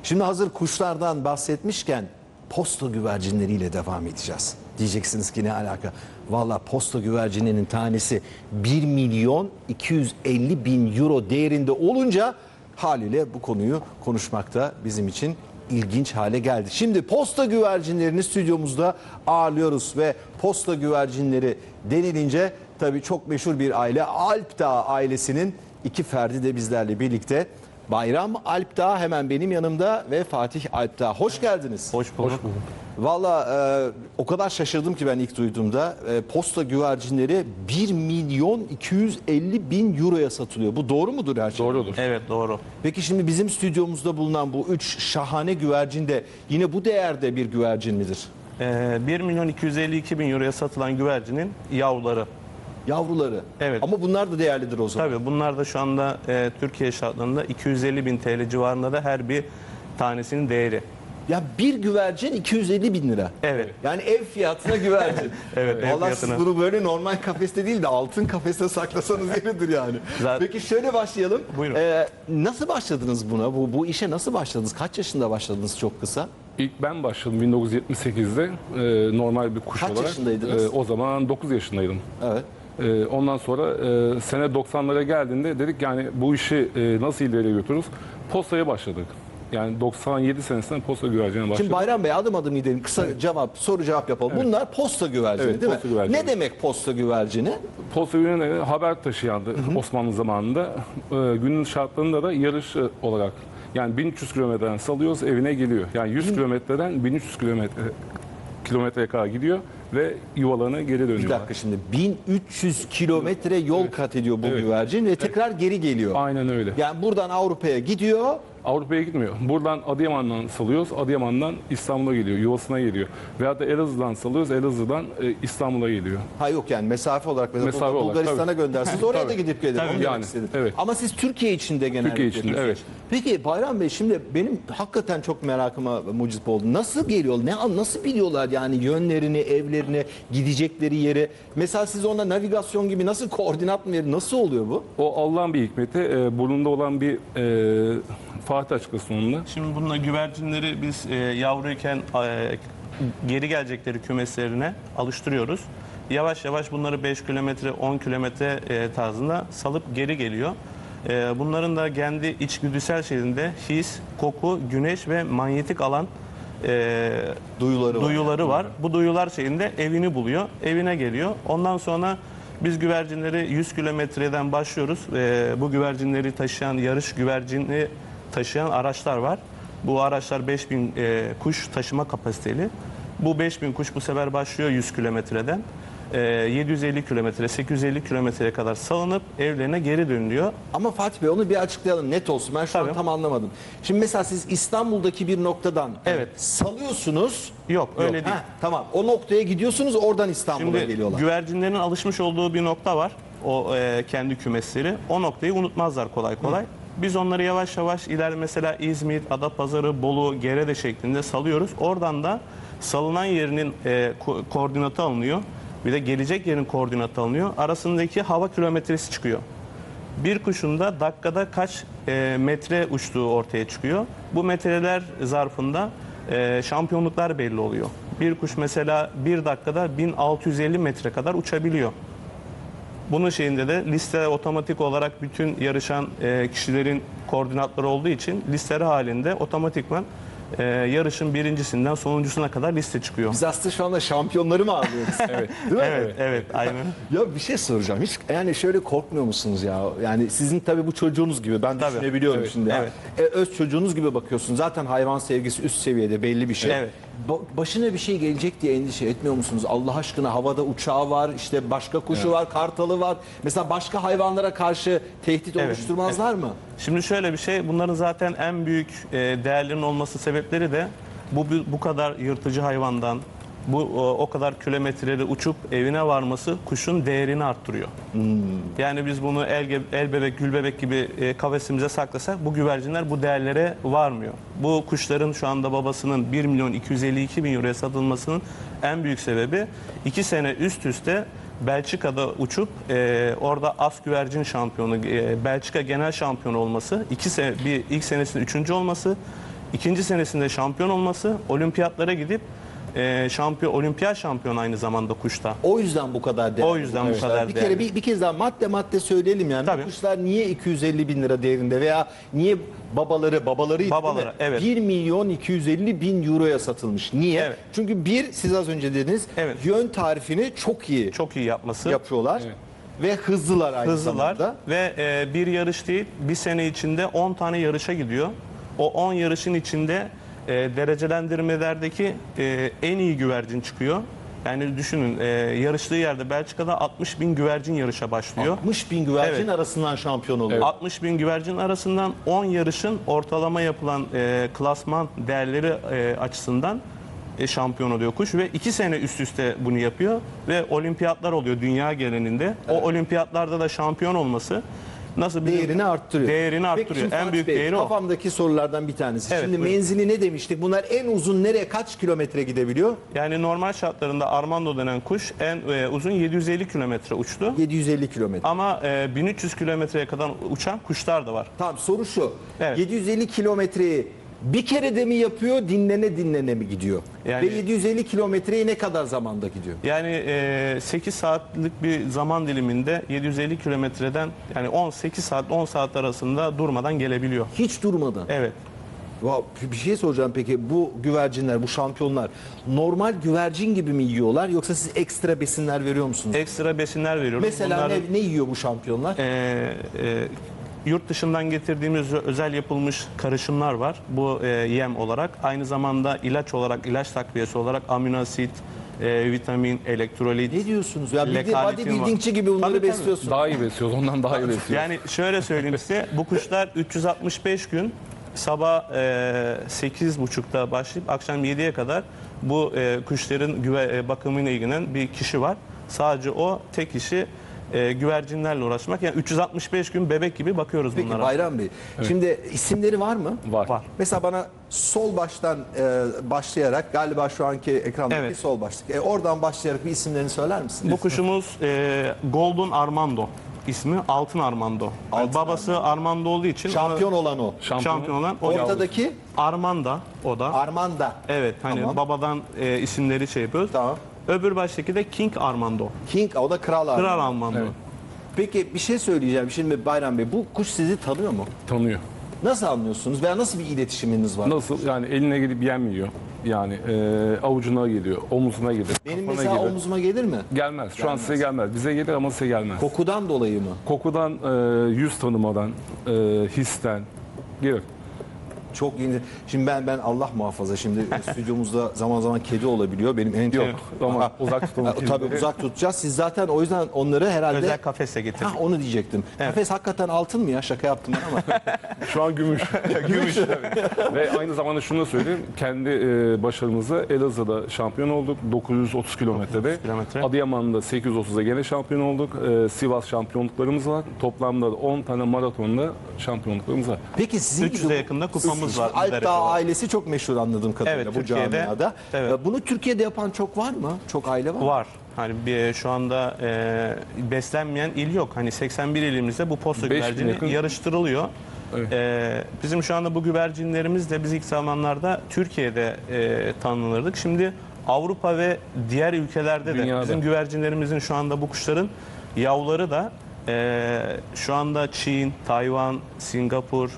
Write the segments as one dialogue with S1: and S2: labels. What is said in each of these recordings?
S1: Şimdi hazır kuşlardan bahsetmişken posta güvercinleriyle devam edeceğiz. Diyeceksiniz ki ne alaka? Valla posta güvercininin tanesi 1 milyon 250 bin euro değerinde olunca haliyle bu konuyu konuşmakta bizim için ilginç hale geldi. Şimdi posta güvercinlerini stüdyomuzda ağırlıyoruz ve posta güvercinleri denilince tabii çok meşhur bir aile, Alpdağ ailesinin iki ferdi de bizlerle birlikte. Bayram Alpdağ hemen benim yanımda ve Fatih Alpdağ. Hoş geldiniz.
S2: Hoş bulduk.
S1: Valla o kadar şaşırdım ki ben ilk duyduğumda. Posta güvercinleri 1 milyon 250 bin euroya satılıyor. Bu doğru mudur her şey?
S2: Doğrudur.
S3: Evet, doğru.
S1: Peki şimdi bizim stüdyomuzda bulunan bu 3 şahane güvercin de yine bu değerde bir güvercin midir?
S3: 1 milyon 252 bin euroya satılan güvercinin yavruları.
S1: Yavruları.
S3: Evet.
S1: Ama bunlar da değerlidir o zaman.
S3: Tabii bunlar da şu anda Türkiye şartlarında 250 bin TL civarında da her bir tanesinin değeri.
S1: Ya bir güvercin 250 bin lira.
S3: Evet.
S1: Yani ev fiyatına güvercin.
S3: Evet, ev
S1: Vallahi siz
S3: fiyatına.
S1: bunu böyle normal kafeste değil de altın kafeste saklasanız yeridir yani.
S3: Zaten-
S1: Peki şöyle başlayalım.
S3: Buyurun.
S1: Nasıl başladınız buna? Bu işe nasıl başladınız? Kaç yaşında başladınız çok kısa?
S2: İlk ben başladım 1978'de normal bir kuş
S1: Kaç
S2: olarak.
S1: yaşındaydınız?
S2: O zaman 9 yaşındaydım.
S1: Evet.
S2: Ondan sonra sene 90'lara geldiğinde dedik yani bu işi nasıl ileriye götürürüz? Postaya başladık. Yani 97 senesinden posta güvercine başladık.
S1: Şimdi Bayram Bey adım adım gidelim. Kısa soru cevap yapalım. Bunlar posta güvercini
S2: Evet,
S1: değil
S2: posta
S1: mi?
S2: güvercini.
S1: Ne demek posta güvercini?
S2: Posta güvercine haber taşıyandı Osmanlı zamanında. Günün şartlarında da yarış olarak. Yani 1300 kilometreden salıyoruz evine geliyor. Yani 100 kilometreden 1300 kilometreye kadar gidiyor ve yuvalarına geri
S1: Bir
S2: dönüyorlar.
S1: dakika şimdi 1300 kilometre yol kat ediyor bu
S2: Evet.
S1: güvercin ve tekrar geri geliyor.
S2: Aynen öyle.
S1: Yani buradan Avrupa'ya gidiyor.
S2: Avrupa'ya gitmiyor. Buradan Adıyaman'dan salıyoruz. Adıyaman'dan İstanbul'a geliyor. Yuvasına geliyor. Veyahut da Elazığ'dan salıyoruz. Elazığ'dan İstanbul'a geliyor.
S1: Ha yok yani mesafe olarak mesela
S2: Mesafe olarak,
S1: Bulgaristan'a
S2: tabii.
S1: göndersiniz oraya da
S2: Tabii.
S1: gidip gelir.
S2: Tabii,
S1: Onu demek
S2: yani,
S1: istedim.
S2: evet.
S1: Ama siz Türkiye içinde genelde.
S2: Türkiye içinde, evet.
S1: Peki Bayram Bey şimdi benim hakikaten çok merakıma mucip oldu. Nasıl geliyor? Nasıl biliyorlar yani yönlerini, evlerini, gidecekleri yeri? Mesela siz ona navigasyon gibi nasıl koordinat mı verir? Nasıl oluyor bu?
S2: O Allah'ın bir hikmeti. Burnunda olan bir Fatih açıkçası onunla.
S3: Şimdi bununla güvercinleri biz yavruyken geri gelecekleri kümeslerine alıştırıyoruz. Yavaş yavaş bunları 5 kilometre, 10 kilometre tarzında salıp geri geliyor. Bunların da kendi içgüdüsel şeyinde his, koku, güneş ve manyetik alan
S1: Duyuları var.
S3: var. Bu duyular şeyinde evini buluyor, evine geliyor. Ondan sonra biz güvercinleri 100 kilometreden başlıyoruz. Bu güvercinleri taşıyan, yarış güvercini taşıyan araçlar var. Bu araçlar 5000 kuş taşıma kapasiteli. Bu 5000 kuş bu sefer başlıyor 100 kilometreden. 750 kilometre, 850 kilometreye kadar salınıp evlerine geri dönülüyor.
S1: Ama Fatih Bey onu bir açıklayalım net olsun. Ben şu an
S3: Tabii.
S1: tam anlamadım. Şimdi mesela siz İstanbul'daki bir noktadan
S3: Evet.
S1: salıyorsunuz.
S3: Yok, öyle değil.
S1: Ha, tamam. O noktaya gidiyorsunuz oradan İstanbul'a
S3: Şimdi
S1: geliyorlar.
S3: güvercinlerin alışmış olduğu bir nokta var. O kendi kümesleri. O noktayı unutmazlar kolay kolay. Biz onları yavaş yavaş mesela İzmir, Adapazarı, Bolu, Gerede şeklinde salıyoruz. Oradan da salınan yerinin koordinatı alınıyor. Bir de gelecek yerin koordinatı alınıyor. Arasındaki hava kilometresi çıkıyor. Bir kuşun da dakikada kaç metre uçtuğu ortaya çıkıyor. Bu metreler zarfında şampiyonluklar belli oluyor. Bir kuş mesela bir dakikada 1650 metre kadar uçabiliyor. Bunun şeyinde de liste otomatik olarak bütün yarışan kişilerin koordinatları olduğu için listeleri halinde otomatikman yarışın birincisinden sonuncusuna kadar liste çıkıyor.
S1: Biz aslında şu anda şampiyonları mı ağırlıyoruz?
S2: Evet.
S1: Değil mi?
S3: Evet, aynen.
S1: Ya bir şey soracağım. Hiç yani şöyle korkmuyor musunuz ya? Yani sizin tabii bu çocuğunuz gibi ben
S3: Tabii.
S1: düşünebiliyorum
S3: Evet,
S1: şimdi.
S3: evet.
S1: Öz çocuğunuz gibi bakıyorsun. Zaten hayvan sevgisi üst seviyede belli bir şey.
S3: Evet.
S1: Başına bir şey gelecek diye endişe etmiyor musunuz? Allah aşkına havada uçağı var, işte başka kuşu var, kartalı var. Mesela başka hayvanlara karşı tehdit
S3: Evet,
S1: oluşturmazlar mı?
S3: Şimdi şöyle bir şey, bunların zaten en büyük değerlerinin olması sebepleri de bu kadar yırtıcı hayvandan, o kadar kilometreleri uçup evine varması kuşun değerini arttırıyor. Yani biz bunu el bebek, gül bebek gibi kafesimize saklasak bu güvercinler bu değerlere varmıyor. Bu kuşların şu anda babasının 1 milyon 252 bin euroya satılmasının en büyük sebebi 2 sene üst üste Belçika'da uçup orada as güvercin şampiyonu, Belçika genel şampiyonu olması, ilk senesinin 3. olması, İkinci senesinde şampiyon olması, olimpiyatlara gidip olimpiyat şampiyonu aynı zamanda kuşta.
S1: O yüzden bu kadar değerli.
S3: O yüzden bu kadar
S1: Bir kere
S3: değerli.
S1: bir kez daha madde söyleyelim yani.
S3: Tabii.
S1: Bu kuşlar niye 250 bin lira değerinde veya niye babalarıydı değil
S3: Babaları,
S1: mi?
S3: evet.
S1: 1 milyon 250 bin euroya satılmış. Niye?
S3: Evet.
S1: Çünkü siz az önce dediniz,
S3: Evet.
S1: yön tarifini çok iyi
S3: Çok iyi yapması.
S1: yapıyorlar ve hızlılar aynı
S3: Hızlılar
S1: zamanda.
S3: ve bir yarış değil, bir sene içinde 10 tane yarışa gidiyor. O 10 yarışın içinde derecelendirmelerdeki en iyi güvercin çıkıyor. Yani düşünün, yarıştığı yerde Belçika'da 60 bin güvercin yarışa başlıyor.
S1: 60 bin güvercin
S3: Evet.
S1: arasından şampiyon oluyor.
S3: 60 bin güvercin arasından 10 yarışın ortalama yapılan klasman değerleri açısından şampiyon oluyor kuş ve 2 sene üst üste bunu yapıyor ve olimpiyatlar oluyor dünya genelinde. O olimpiyatlarda da şampiyon olması nasıl
S1: Değerini arttırıyor.
S3: Değerini
S1: Peki
S3: arttırıyor.
S1: şimdi
S3: En
S1: Fatih
S3: büyük
S1: Bey,
S3: değeri o.
S1: kafamdaki sorulardan bir tanesi.
S3: Evet,
S1: Şimdi
S3: buyurun.
S1: menzili ne demiştik? Bunlar en uzun nereye, kaç kilometre gidebiliyor?
S3: Yani normal şartlarında Armando denen kuş en uzun 750 kilometre uçtu.
S1: 750 kilometre.
S3: Ama 1300 kilometreye kadar uçan kuşlar da var.
S1: Tamam, soru şu.
S3: Evet.
S1: 750 kilometreyi bir kere de mi yapıyor, dinlene mi gidiyor?
S3: Yani-
S1: Ve 750 kilometreyi ne kadar zamanda gidiyor?
S3: Yani 8 saatlik bir zaman diliminde 750 kilometreden yani 18 saat 10 saat arasında durmadan gelebiliyor.
S1: Hiç durmadan.
S3: Evet.
S1: Bir şey soracağım peki, bu güvercinler, bu şampiyonlar normal güvercin gibi mi yiyorlar yoksa siz ekstra besinler veriyor musunuz?
S3: Ekstra besinler veriyoruz.
S1: Mesela
S3: Bunların,
S1: ne yiyor bu şampiyonlar?
S3: yurt dışından getirdiğimiz özel yapılmış karışımlar var. Bu yem olarak. Aynı zamanda ilaç olarak, ilaç takviyesi olarak amino asit, vitamin, elektrolit.
S1: Ne diyorsunuz? Ya
S3: lekaletin
S1: bodybuildingçi gibi bunları
S3: Tabii, tabii.
S1: besliyorsun.
S2: Daha iyi besliyoruz. Ondan daha iyi besliyoruz.
S3: Yani şöyle söyleyeyim size, bu kuşlar 365 gün sabah 8.30'da başlayıp akşam 7'ye kadar bu kuşların bakımıyla ilgilenen bir kişi var. Sadece o tek kişi güvercinlerle uğraşmak. Yani 365 gün bebek gibi bakıyoruz
S1: Peki
S3: bunlara.
S1: Bayram Bey, şimdi isimleri var mı?
S2: Var.
S3: Var.
S1: Mesela bana sol baştan başlayarak, galiba şu anki ekrandaki
S3: Evet.
S1: sol başlık. Oradan başlayarak bir isimlerini söyler misiniz?
S3: Bu kuşumuz Golden Armando ismi, Altın Armando. Yani
S1: Altın
S3: babası Armando olduğu için
S1: Şampiyon olan o.
S3: şampiyon olan o.
S1: Ortadaki
S3: Armanda o da.
S1: Armanda.
S3: Evet, hani
S1: Tamam.
S3: babadan isimleri şey yapıyoruz.
S1: Tamam.
S3: Öbür baştaki de King Armando.
S1: King, o da kral Armanda.
S3: Kral Armando.
S2: Evet.
S1: Peki bir şey söyleyeceğim. Şimdi Bayram Bey, bu kuş sizi tanıyor mu?
S2: Tanıyor.
S1: Nasıl anlıyorsunuz veya nasıl bir iletişiminiz var?
S2: Nasıl? Yani eline gidip yem yiyor. Yani avucuna geliyor, omuzuna gelir,
S1: Benim
S2: kafana
S1: mesela
S2: gelir.
S1: omzuma gelir mi?
S2: Gelmez. Şu an size gelmez. Bize gelir ama size gelmez.
S1: Kokudan dolayı mı?
S2: Kokudan, yüz tanımadan, histen gelir.
S1: Çok yeni. Şimdi ben Allah muhafaza, şimdi stüdyomuzda zaman zaman kedi olabiliyor. Benim en çok...
S2: Yok ama uzak tutalım.
S1: Tabii uzak tutacağız. Siz zaten o yüzden onları herhalde...
S3: Özel kafese getirdik.
S1: Onu diyecektim. Kafes hakikaten altın mı ya? Şaka yaptım ben ama.
S2: Şu an gümüş. Gümüş. Ve aynı zamanda şunu da söyleyeyim. Kendi başarımızla Elazığ'da şampiyon olduk. 930 kilometrede.
S3: kilometre.
S2: Adıyaman'da 830'da gene şampiyon olduk. Sivas şampiyonluklarımız var. Toplamda 10 tane maratonda şampiyonluklarımız var.
S1: Kupamız var.
S3: 300'e yakında kupamız var.
S1: Alp Dağ ailesi çok meşhur anladığım kadarıyla
S3: Evet,
S1: bu
S3: Türkiye'de.
S1: camiada.
S3: Evet.
S1: Bunu Türkiye'de yapan çok var mı? Çok aile var mı?
S3: Var. Hani şu anda beslenmeyen il yok. Hani 81 ilimizde bu posta
S2: 5000
S3: güvercini
S2: yakın.
S3: yarıştırılıyor.
S2: Evet.
S3: Bizim şu anda bu güvercinlerimiz de biz ilk zamanlarda Türkiye'de tanınırdık. Şimdi Avrupa ve diğer ülkelerde de
S2: Dünyada.
S3: bizim güvercinlerimizin şu anda bu kuşların yavruları da şu anda Çin, Tayvan, Singapur,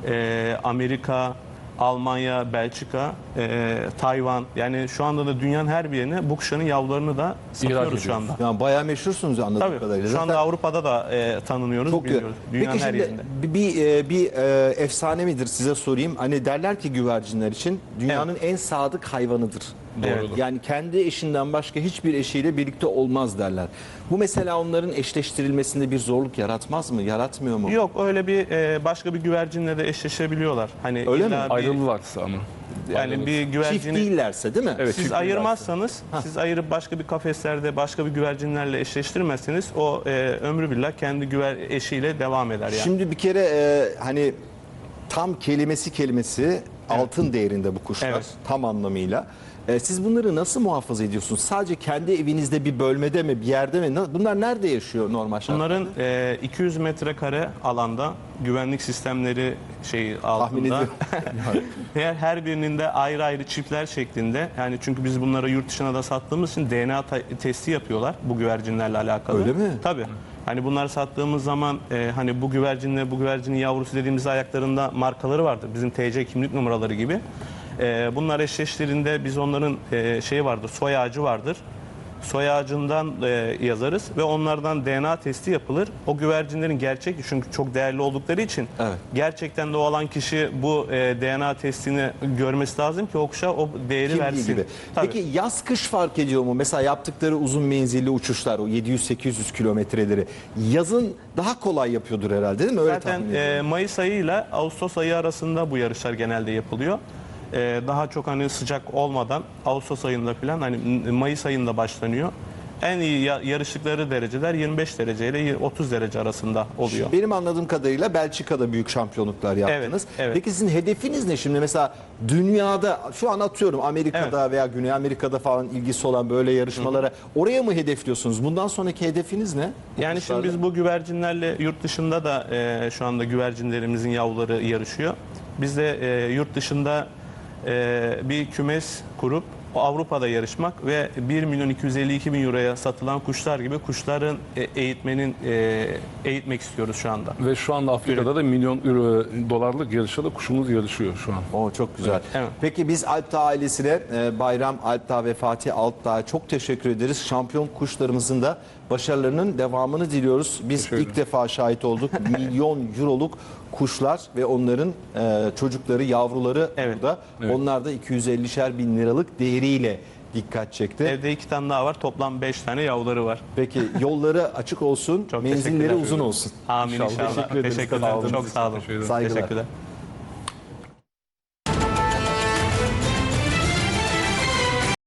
S3: Amerika, Almanya, Belçika, Tayvan, yani şu anda da dünyanın her bir yerine bu kuşların yavrularını da satıyoruz şu anda.
S1: Yani bayağı meşhursunuz anladığım
S3: Tabii.
S1: kadarıyla.
S3: Şu anda
S1: Zaten
S3: Avrupa'da da tanınıyoruz,
S1: çok
S3: biliyoruz. Dünyanın
S1: Peki
S3: her
S1: şimdi
S3: yerinde.
S1: bir efsane midir size sorayım. Hani derler ki güvercinler için dünyanın en sadık hayvanıdır.
S3: Doğrudur.
S1: Yani kendi eşinden başka hiçbir eşiyle birlikte olmaz derler. Bu mesela onların eşleştirilmesinde bir zorluk yaratmaz mı? Yaratmıyor mu?
S3: Yok, öyle bir başka bir güvercinle de eşleşebiliyorlar. Hani
S1: Öyle
S3: illa
S1: mi?
S3: bir,
S2: Ayrılırlarsa ama.
S3: yani bir
S1: Çift
S3: güvercini
S1: değillerse değil mi?
S2: Evet.
S3: siz
S2: çift
S3: ayırmazsanız, siz ayırıp başka bir kafeslerde başka bir güvercinlerle eşleştirmezseniz o ömrü billah kendi eşiyle devam eder yani.
S1: Şimdi bir kere hani tam kelimesi altın değerinde bu kuşlar,
S3: Evet.
S1: tam anlamıyla. Siz bunları nasıl muhafaza ediyorsunuz? Sadece kendi evinizde bir bölmede mi, bir yerde mi? Bunlar nerede yaşıyor normal şartlarda?
S3: Bunların 200 metrekare alanda güvenlik sistemleri altında.
S1: ediyorum.
S3: Her birinin de ayrı ayrı çiftler şeklinde. Yani çünkü biz bunları yurt dışına da sattığımız için DNA testi yapıyorlar bu güvercinlerle alakalı.
S1: Öyle mi?
S3: Tabii. Hani bunları sattığımız zaman hani bu güvercinin yavrusu dediğimiz ayaklarında markaları vardır. Bizim TC kimlik numaraları gibi. Bunlar eşleştiğinde biz onların vardır, soy ağacı vardır. Soy ağacından yazarız ve onlardan DNA testi yapılır. O güvercinlerin gerçek, çünkü çok değerli oldukları için
S1: Evet.
S3: gerçekten de o olan kişi bu DNA testini görmesi lazım ki o kuşa o değeri
S1: Kimliği
S3: versin.
S1: gibi.
S3: Tabii.
S1: Peki yaz kış fark ediyor mu? Mesela yaptıkları uzun menzilli uçuşlar, o 700-800 kilometreleri yazın daha kolay yapıyordur herhalde, değil mi? Öyle
S3: Zaten
S1: tahmin ediyorum.
S3: Mayıs ayı ile Ağustos ayı arasında bu yarışlar genelde yapılıyor. Daha çok hani sıcak olmadan Ağustos ayında falan, hani Mayıs ayında başlanıyor. En iyi yarıştıkları dereceler 25 derece ile 30 derece arasında oluyor.
S1: Benim anladığım kadarıyla Belçika'da büyük şampiyonluklar yaptınız.
S3: evet.
S1: Peki sizin hedefiniz ne şimdi? Mesela dünyada, şu an atıyorum Amerika'da veya Güney Amerika'da falan ilgisi olan böyle yarışmalara oraya mı hedefliyorsunuz? Bundan sonraki hedefiniz ne?
S3: Yani şimdi biz bu güvercinlerle yurt dışında da şu anda güvercinlerimizin yavruları yarışıyor. Biz de yurt dışında bir kümes kurup Avrupa'da yarışmak ve 1.252.000 euroya satılan kuşlar gibi kuşların eğitmek istiyoruz şu anda.
S2: Ve şu anda Afrika'da da milyon dolarlık yarışta kuşumuz yarışıyor şu an.
S1: Oo, çok güzel.
S3: Evet.
S1: Peki biz Alpdağ ailesine Bayram Alpdağ ve Fatih Alpdağ'a çok teşekkür ederiz. Şampiyon kuşlarımızın da başarılarının devamını diliyoruz. Biz
S2: Teşekkür
S1: ilk defa şahit olduk. Milyon euroluk kuşlar ve onların çocukları, yavruları
S3: Evet.
S1: burada.
S2: Evet.
S1: Onlar da 250'şer bin liralık değeriyle dikkat çekti.
S3: Evde 2 tane daha var. Toplam 5 tane yavruları var.
S1: Peki yolları açık olsun,
S3: Çok
S1: menzilleri
S3: teşekkürler.
S1: uzun olsun.
S3: Amin inşallah.
S1: Teşekkür ederiz.
S3: Teşekkürler.
S1: Katıldığınız
S3: Çok
S1: için.
S3: sağ olun.
S2: Teşekkür ederim.
S1: Saygılar.
S3: Teşekkürler.